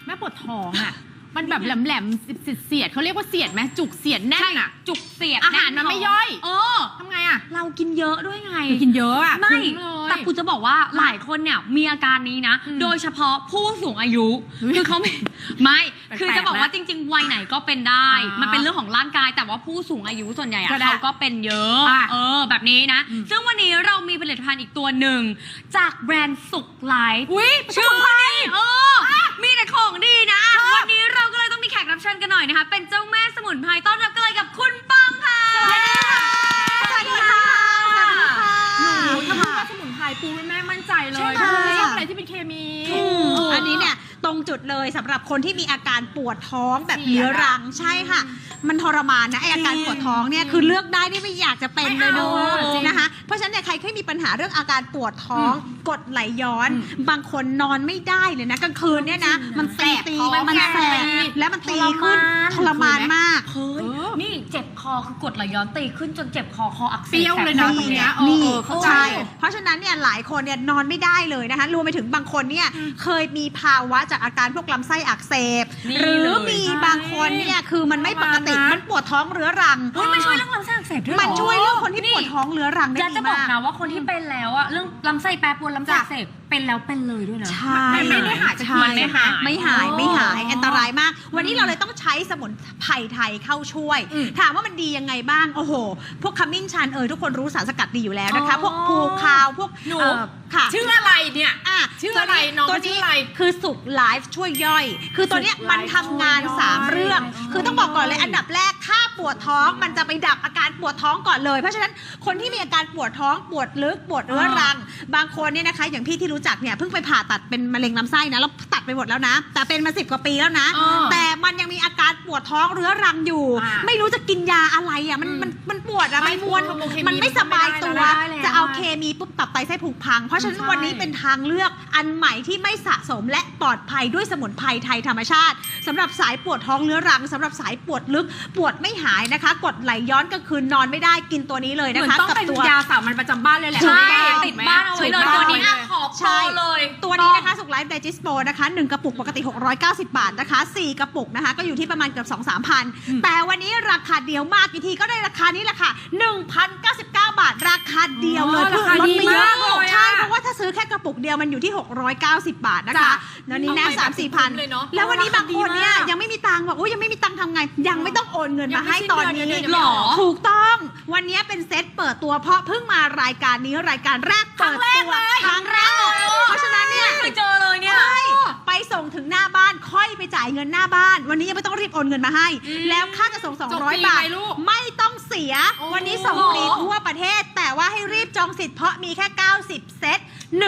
แม่ปวดท้องอ่ะมันแบบแหลมๆเสียดเขาเรียกว่าเสียดไหมจุกเสียดแน่นอ่ะจุกเสียดอาหารมันไม่ย่อยทำไงอ่ะเรากินเยอะด้วยไงกินเยอะอ่ะไม่แต่กูจะบอกว่าหลายคนเนี่ยมีอาการนี้นะโดยเฉพาะผู้สูงอายุคือเขาไม่คือจะบอกว่าจริงๆวัยไหนก็เป็นได้มันเป็นเรื่องของร่างกายแต่ว่าผู้สูงอายุส่วนใหญ่เขาก็เป็นเยอะแบบนี้นะซึ่งวันนี้เรามีผลิตภัณฑ์อีกตัวหนึ่งจากแบรนด์สุขไลฟ์ชื่อนี่มีแต่ของดีนะวันนี้เราก็เลยต้องมีแขกรับเชิญกันหน่อยนะคะเป็นเจ้าแม่สมุนไพรต้อนรับกันเลยกับคุณปังค่ะสวัสดีค่ะสวัสดีค่ะหนูถ้าพูดว่าสมุนไพรปูแม่มั่นใจเลยไม่ชอบอะไรที่เป็นเคมีอันนี้เนี่ยตรงจุดเลยสำหรับคนที่มีอาการปวดท้องแบบเรื้อรังใช่ค่ะมันทรมานนะไออาการปวดท้องเนี่ยคือเลือกได้ที่ไม่อยากจะเป็นเลยนะคะเพราะฉะนั้นเนี่ยใครที่มีปัญหาเรื่องอาการปวดท้องกดไหลย้อนบางคนนอนไม่ได้เลยนะกลางคืนเนี่ยนะมันแสบมันแสบแล้วมันตีขึ้นทรมานมากนี่เจ็บคอคือกดไหลย้อนตีขึ้นจนเจ็บคออักเสบเปรี้ยวเลยนะตรงเนี้ยนี่ใช่เพราะฉะนั้นเนี่ยหลายคนเนี่ยนอนไม่ได้เลยนะคะรวมไปถึงบางคนเนี่ยเคยมีภาวะจากอาการพวกลำไส้อักเสบหรือมีบางคนเนี่ยคือมันไม่ปกติมันปวดท้องเรื้อรังมันช่วยเรื่องลำไส้อักเสบด้วยมันช่วยเรื่องคนที่ปวดท้องเรื้อรังได้ดีมากจะบอกนะว่าคนที่เป็นแล้วอะเรื่องลำไส้แปรปรวนลำไส้อักเสบเป็นแล้วเป็นเลยด้วยนะใช่ไม่ได้หายไม่หายอันตรายมากวันนี้เราเลยต้องใช้สมุนไพรไทยเข้าช่วยถามว่ามันดียังไงบ้างโอ้โหพวกขมิ้นชันทุกคนรู้สารสกัดดีอยู่แล้วนะคะพวกภูคาวพวกชื่ออะไรเนี่ยชื่ออะไรน้องชื่ออะไรคือสุขไลฟ์ช่วยย่อยคือตัวเนี้ยมันทำงาน3เรื่องคือต้องบอกก่อนเลยอันดับแรกถ้าปวดท้องมันจะไปดับอาการปวดท้องก่อนเลยเพราะฉะนั้นคนที่มีอาการปวดท้องปวดลึกปวดเรื้อรังบางคนเนี่ยนะคะอย่างพี่ที่รู้จักเนี่ยเพิ่งไปผ่าตัดเป็นมะเร็งลำไส้นะแล้วตัดไปหมดแล้วนะแต่เป็นมา10 กว่าปีแล้วนะแต่มันยังมีอาการปวดท้องเรื้อรังอยู่ไม่รู้จะกินยาอะไรอ่ะมันปวดอะมันมวนมันไม่สบายตัวจะเอาเคมีปุ๊บตับไตไส้พุงพังเพราะฉะนั้นวันนี้เป็นทางเลือกอันใหม่ที่ไม่สะสมและปลอดภัยด้วยสมุนไพรไทยธรรมชาติสำหรับสายปวดท้องเรื้อรังสำหรับสายปวดลึกปวดไม่หายนะคะกดไหลย้อนก็คืนนอนไม่ได้กินตัวนี้เลยนะคะต้องเป็นยาสามัญประจำบ้านเลยแหละติดบ้านเอาไว้เลยตัวนี้ขอโปรเลยตัวนี้นะคะสุขไลฟ์ไดจิสโปนะคะ1 กระปุกปกติ690 บาทนะคะ4 กระปุกนะคะก็อยู่ที่ประมาณเกือบ 2-3 พันแต่วันนี้ราคาเดียวมากกี่ทีก็ได้ราคานี้แหละค่ะ 1,099 บาทราคาเดียวเลยราคาดีมากใช่เพราะว่าถ้าซื้อแค่กระปุกเดียวมันอยู่ที่690 บาทนะคะแล้วนี้นะ3-4 พันแล้ววันนี้บางคนเนี่ยยังไม่มีตังค์บอกยังไม่มีตังค์ทำไงยังไม่ต้องโอนเงินมาให้ตอนนี้หรอถูกต้องวันนี้เป็นเซตเปิดตัวเพราะเพิ่งมารายการนี้รายการแรกเปิดตัวครั้งแรกเพราะฉะนั้นเนี่ยไม่เจอเลยเนี่ยไปส่งถึงหน้าบ้านค่อยไปจ่ายเงินหน้าบ้านวันนี้ยังไม่ต้องรีบโอนเงินมาให้แล้วค่าจะส่ง200 บาทไม่ต้องเสียวันนี้ส่งฟรีทั่วประเทศแต่ว่าให้รีบจองสิทธิ์เพราะมีแค่90 เซต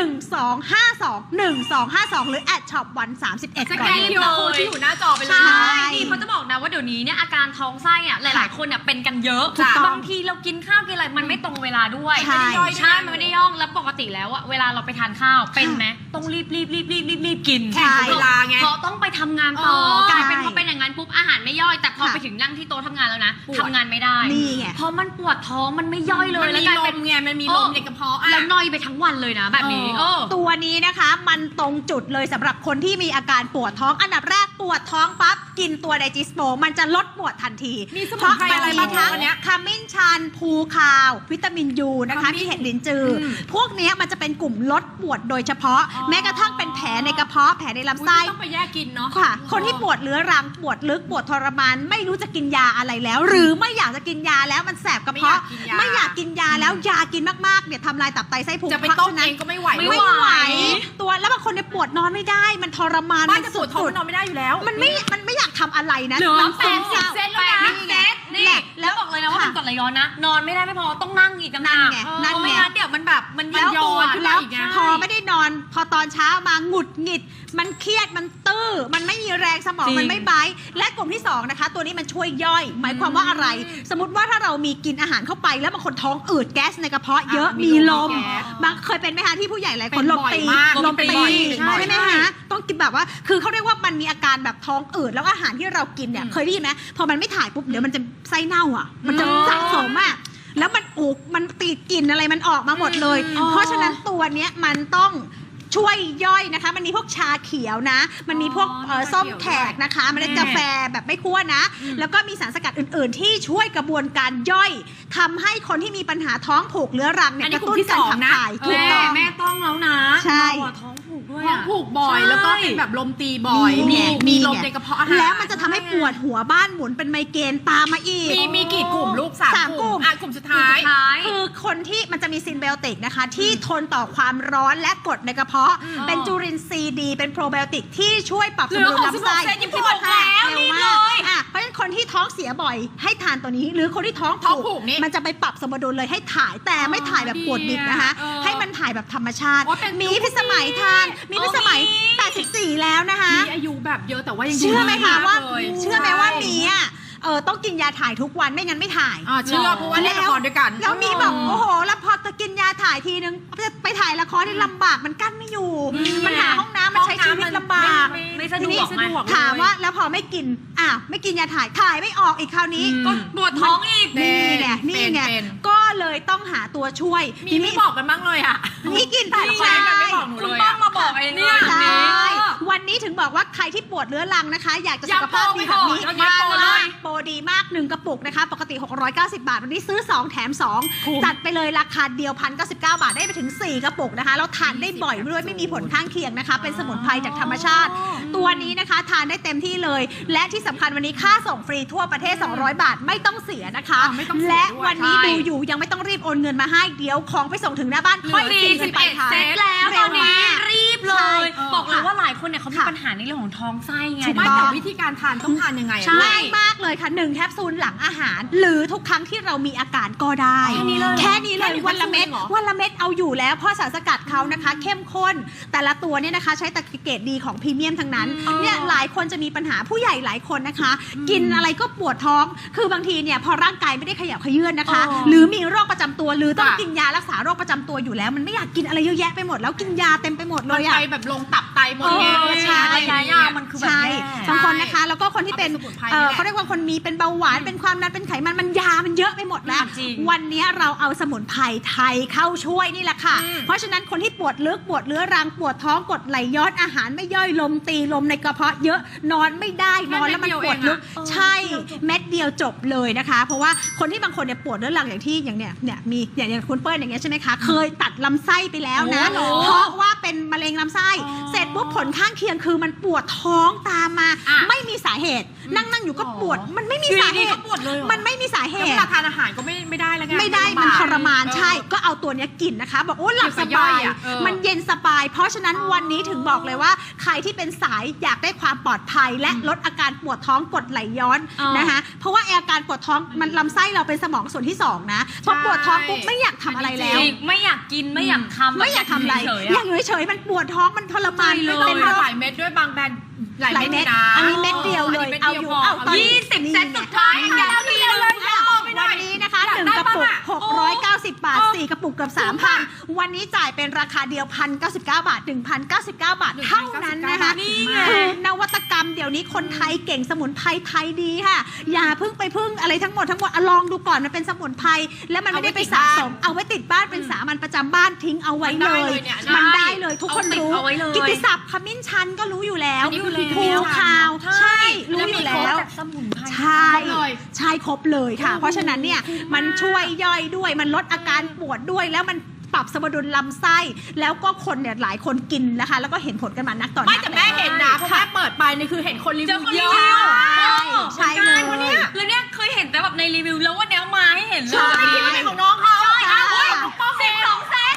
1252 หรือ@shop131 ก่อนเลยที่อยู่หน้าจอไปเลยนี่เขาจะบอกนะว่าเดี๋ยวนี้เนี่ยอาการท้องไส้อะหลายๆคนเนี่ยเป็นกันเยอะบางทีเรากินข้าวกินอะไรมันไม่ตรงเวลาด้วยใช่มันไม่ได้ย่องแล้วปกติแล้วอะเวลาเราไปทานข้าวเป็นไหมต้องรีบกินเวลาไงเพราะต้องไปทำงานต่อกลายเป็นพอเป็นอย่างนั้นปุ๊บอาหารไม่ย่อยแต่พอไปถึงนั่งที่โต๊ะทำงานแล้วนะทำงานไม่ได้เพราะมันปวดท้องมันไม่ย่อยเลยแล้วกลายเป็นไงมันมีลมในกระเพาะแล้วนอยไปทั้งวันเลยนะแบบนี้ตัวนี้นะคะมันตรงจุดเลยสำหรับคนที่มีอาการปวดท้องอันดับแรกปวดท้องปั๊บกินตัวไดจิสโปมันจะลดปวดทันทีมีสมุนไพรอะไรบ้างวันนี้ขมิ้นชันภูคาววิตามินยูนะคะมีเห็ดลิ้นจือพวกนี้มันจะเป็นกลุ่มลดปวดโดยเฉพาะแม้กระทั่งเป็นแผลในกระเพาะแผลในลำไส้ต้องไปแยกกินเนาะค่ะคนที่ปวดเรื้อรังปวดลึกปวดทรมานไม่รู้จะกินยาอะไรแล้ว หรือไม่อยากจะกินยาแล้วมันแสบกระเพาะไม่อยากกินยาแล้วยากินมากๆเนี่ยทำลายตับไตไส้พุงจะไปต้มเองก็ไม่ไหวตัวแล้วบางคนเนี่ยปวดนอนไม่ได้มันทรมานมันสุดๆนอนไม่ได้อยู่แล้วมันไม่อยากทำอะไรนะน้ำ80 เซนแล้วนะนี่แล้วบอกเลยนะว่าเป็นกรดไหลย้อนนะนอนไม่ได้ไม่พอต้องนั่งอีกนั่นไงไม่งั้นเดี๋ยวมันแบบมันย้อนแล้วพอไม่ได้นอนพอตอนเช้ามาหงุดหงิดมันเครียดมันตื้อมันไม่มีแรงสมองมันไม่ไบและกลุ่มที่2นะคะตัวนี้มันช่วยย่อยหมายความว่าอะไรสมมติว่าถ้าเรามีกินอาหารเข้าไปแล้วบางคนท้องอืดแก๊สในกระเพาะเยอะมีลมบางเคยเป็นไหมคะที่ผู้ใหญ่หลายคนลมตีใช่ไหมคะต้องกินแบบว่าคือเขาเรียกว่ามันมีอาการแบบท้องอืดแล้วอาหารที่เรากินเนี่ยเคยได้ยินไหมพอมันไม่ถ่ายปุ๊บเดี๋ยวมันจะไส้เน่าอ่ะมันจะสะสมอ่ะแล้วมันติดกลิ่นอะไรมันออกมาหมดเลยเพราะฉะนั้นตัวเนี้ยมันต้องช่วยย่อยนะคะมันมีพวกชาเขียวนะ มันมีพวกส้มแขกนะคะเมล็ดกาแฟแบบไม่คั่วนะ แล้วก็มีสารสกัดอื่นๆ ที่ช่วยกระบวนการย่อยทำให้คนที่มีปัญหาท้องผูกเรื้อรังเนี่ยกระตุ้นการขับถ่ายถูกต้องแม่ต้องแล้วนะใช่ท้องผูกด้วยท้องผูกบ่อยใช่แล้วก็เป็นแบบลมตีบ่อยมีลมในกระเพาะอาหารแล้วมันจะทำให้ปวดหัวบ้านหมุนเป็นไมเกรนตามมาอีกมีกี่กลุ่มลูกสาม 3 กลุ่มกลุ่มกลุ่มสุดท้ายคือคนที่มันจะมีซินไบโอติกนะคะที่ทนต่อความร้อนและกรดในกระเพาะ เป็นจุลินทรีย์ดีเป็นโปรไบโอติกที่ช่วยปรับสมดุลลำไส้เหลือ66%ยังบอกแล้วเร็วนี่มาเลกยเพราะฉะนั้นคนที่ท้องเสียบ่อยให้ทานตัวนี้ หรือคนที่ท้องท้องผูผูกกนี่มันจะไปปรับสมดุลเลยให้ถ่ายแต่ไม่ถ่ายแบบปวดดิบนะคะ ให้มันถ่ายแบบธรรมชาติโอ้เป็นมีพิสมัยทานมีพิสมัย 84 แล้วนะคะมีอายุแบบเยอะแต่ว่ายังเชื่อไหมคะว่าเลยเชื่อไหมว่ามีอ่ะต้องกินยาถ่ายทุกวันไม่งั้นไม่ถ่ายเชื่อเพราะว่าเล่นละครด้วยกันแล้วมีแบบโอ้โหแล้วพอจะกินยาถ่ายทีนึงไปถ่ายละครที่ลำบากมันกั้นไม่อยู่ มันหาห้องน้ำมันใช้ชีวิตลำบากไม่สะดวกทีนี้ไงถามว่าแล้วพอไม่กินไม่กินยาถ่ายไม่ออกอีกคราวนี้ก็ปวดท้องอีกนี่ไงนี่ไงก็เลยต้องหาตัวช่วยมีไม่บอกกันบ้างเลยอ่ะนี่กินถ่ายละคใช่รกันไม่บอกหนูคุณเลยต้องมาบอกเองเนี่ยใช่วันนี้ถึงบอกว่าใครที่ปวดเรื้อรังนะคะ อยากจะสุขภาพดีแบบนี้ย้ำโปรเลยโปรดีมาก1กระปุกนะคะปกติ690 บาทวันนี้ซื้อ2แถม2จัดไปเลยราคาเดียว1,099 บาทได้ไปถึง4กระปุกนะคะแล้วทานได้บ่อยด้วยไม่มีผลข้างเคียงนะคะเป็นสมุนไพรจากธรรมชาติ ตัวนี้นะคะทานได้เต็มที่เลย และที่สำคัญวันนี้ค่าส่งฟรีทั่วประเทศ200 บาทไม่ต้องเสียนะคะไม่ต้องเสียและด้วยวันนี้ใช่ดูอยู่ยังไม่ต้องรีบโอนเงินมาให้เดี๋ยวของไปส่งถึงหน้าบ้านค่อยเหลือกินกันไปค่ะเซตแล้วตอนนี้รีบเลใช่ย บอกเลยว่าหลายคนเนี่ยเขามีค่ะปัญหาในเรื่องของท้องไส้ไงถูกไม่ต้องแต่วิธีการทานต้องทานยังไงอะใช่ง่ายมากเลยค่ะ1แคปซูลหลังอาหาร หรือทุกครั้งที่เรามีอาการก็ได้แค่นี้เลยแค่นี้เลยแค่นี้วันละเม็ดแค่นี้เหรอวันละเม็ดเอาอยู่แล้วเพราะสารสกัดเขานะคะ เข้มข้น แต่ละตัวเนี่ยนะคะใช้ตะเกรดดีของพรีเมียมทั้งนั้นเนี่ยหลายคนจะมีปัญหาผู้ใหญ่หลายคนนะคะ กินอะไรก็ปวดท้องคือบางทีเนี่ยพอร่างกายไม่ได้ขยับเขยื้อนนะคะ หรือมีโรคประจำตัวหรือต้องกินยารักษาโรคประจำตัวอยู่แล้ว มันไม่อยากกินอะไรเยอะแยะไปหมดแล้วกินยาเต็มไปหมดเลมันยไปอะแบบลงตับไตหมดไงใช่ระยะยาวมันคือแบบใช่แย่บางคนนะคะ แล้วก็คนที่เป็นเอาเป็นสมุนไพรนี่แหละเขาเรียกว่าคนมีเป็นเบาหวานเป็นความดันเป็นไขมันมันยามันเยอะไปหมดแล้วจริงวันนี้เราเอาสมุนไพรไทยเข้าช่วยนี่แหละค่ะ เพราะฉะนั้นคนที่ปวดลึกปวดเรื้อรังปวดท้องกดไหลย้อนอาหารไม่ย่อยลมตีลมในกระเพาะเยอะนอนไม่ได้นอนแล้วมันปวดลึกใช่เม็ดเดียวจบเลยนะคะ เพราะว่าคนที่บางคนเนี่ยปวดเรื้อรังอย่างที่อย่างเนี่ยมีอย่างคุณเปิ้ลอย่างเงี้ยใช่ไหมคะเคยตัดลำไส้ไปแล้วนะโอ้โหเพราะว่าเป็นมะเร็งลำไส้เสร็จปุ๊บผลข้างเคียงคือมันปวดท้องตามมา ไม่มีสาเหตุ นั่งอยู่ก็ปวดมันไม่มีสาเหตุก็ปวดเลยเหรอมันไม่มีสาเหแล้วเวตุลาทานอาหารก็ไม่ได้แล้วไงไม่ได้มันทรมานใช่ ก็เอาตัวเนี้ยกินนะคะ บอกโอ้หลับสบาย มันเย็นสบาย เพราะฉะนั้นวันนี้ถึงบอกเลยว่า ใครที่เป็นสายอยากได้ความปลอดภัย และลดอาการปวดท้องกดไหลย้อนนะคะเพราะว่าอาการปวดท้องมันลำไส้เราเป็นสมองส่วนที่สองนะพอปวดท้องปุ๊บไม่อยากทำอะไรแล้วจริงไม่อยากกินไม่อยากทำไม่อยากทำอะไรเฉยอยากอยู่เฉยๆมันปวดท้องมันทรมานไม่ไม่ต้อเป็งนทานโรหคลายเม็ดด้วยบางแบรนด์หลายหลายเม็เม็ดดนะอันนี้เม็ดเดียวเลยอันนี้เอาอยู่เม็ดเดียวเอาตอนนี้ 20 เซตสุดท้ายนี่แกไงวเดียวเลยวันนี้นะคะ1กระปุก690 บาท4กระปุกเกือบ 3,000 วันนี้จ่ายเป็นราคาเดียว1,099 บาท 1,099 บาทเท่านั้นนะคะนี่ไงคือนวัตกรรมเดี๋ยวนี้คนไทยเก่งสมุนไพรไทยดีค่ะ อย่าเพิ่งไปพึ่งอะไรทั้งหมดลองดูก่อนมันเป็นสมุนไพรแล้วมันไม่ได้ไปสะสมเอาไว้ติดบ้านเป็นสามัญประจำบ้านทิ้งเอาไว้เลย มันได้เลยทุกคนรู้เอาไว้เลยกิตติศัพท์ขมิ้นชันก็รู้อยู่แล้วอันนี้คือภูขาวใช่รู้อยู่มีแล้ครบวจากสมุนไพรใช่ ใช่ครบเลยค่ะ เพราะฉะนั้นเนี่ยมันช่วยย่อยด้วยมันลดอาการปวดด้วยแล้วมันปรับสมดุลลำไส้ แล้วก็คนเนี่ยหลายคนกินนะคะ แล้วก็เห็นผลกันมานักต่อนักไม่แต่แม่เห็นนะเพราะแม่เปิดไปนี่คือเห็นคนรีเจวิอวคนเยรีอะวิวใช่เลยวันนี้แล้วเนี่ยเคยเห็นแต่แบบในรีวิวแล้ววันนี้มาให้เห็นเลยใช่ไม่คิดว่าเป็นของน้องเขาใช่ค่ะเฮ้ย 12 เซต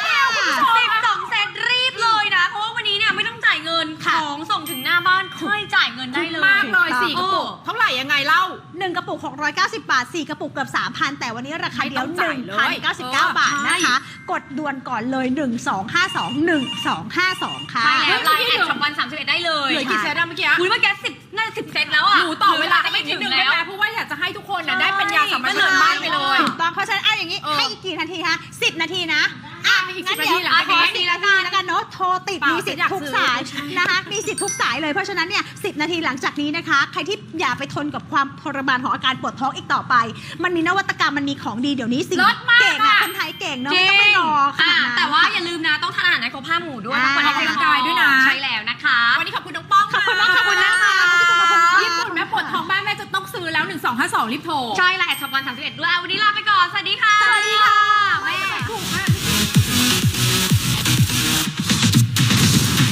12 เซตรีบเลยนะ เพราะว่าวันนี้เนี่ยไม่ต้องจ่ายเงินของส่งถึงหน้าบ้านค่อยจ่ายเงินได้เลยมากเลย4กระปุกเท่าไหร่ยังไงเล่า 1กระปุก690 บาท4กระปุกเกือบ 3,000 แต่วันนี้ราคาเดียวไม่ต้องจ่ายเลย 1,099 บาทนะคะ กดด่วนก่อนเลย 1252 ค่ะใช่แล้วไลน์แอดช็อปวัน31ได้เลยเหลือกี่เซตอะเมื่อกี้อุ้ยเมื่อกี้10น่าจะ10 เซตแล้วอ่ะหนูต่อเวลาไปอีกนิดนึงได้ไหมเพราะว่าอยากจะให้ทุกคนน่ะได้ปัญญาสามัญประจำบ้านไปเลยถูกต้องเพราะฉะนั้นอย่างนี้ให้อีกกี่นาทีคะ10 นาทีนะมีอีกงั้น 10 เดี๋ยวนาทีเหรอขอ10 นาทีแล้วกันเนาะโทรติดเปล่ามีสิทฉันอยากธิ์ทุกซื้อสายนะคะมีสิทธิ์ทุกสายเลยเพราะฉะนั้นเนี่ย10 นาทีหลังจากนี้นะคะ ใครที่อย่าไปทนกับความทรมานของอาการปวดท้องอีกต่อไป มันมีนวัตกรรมมันมีของดีเดี๋ยวนี้สิ่งเลิศมากเก่งอะอะคนไทยเก่งเนาะไม่ต้องไปรอขนาดนั้นแต่ว่าอย่าลืมนะต้องทานอาหารในครบ5 หมู่ด้วยต้องออกกำลังกายด้วยนะใช่แล้วนะคะวันนี้ขอบคุณน้องป้องขอบคุณมากขอบคุณนะคะญี่ปุ่นแม่ปวดท้องบ้านแม่จะต้องซื้อแล้ว 1252รีบโทรใช่แล้วแอดช็อปวัน31ด้วยวันนี้ลาไปก่อนสวัสดีค่ะสวัสดีค่ะ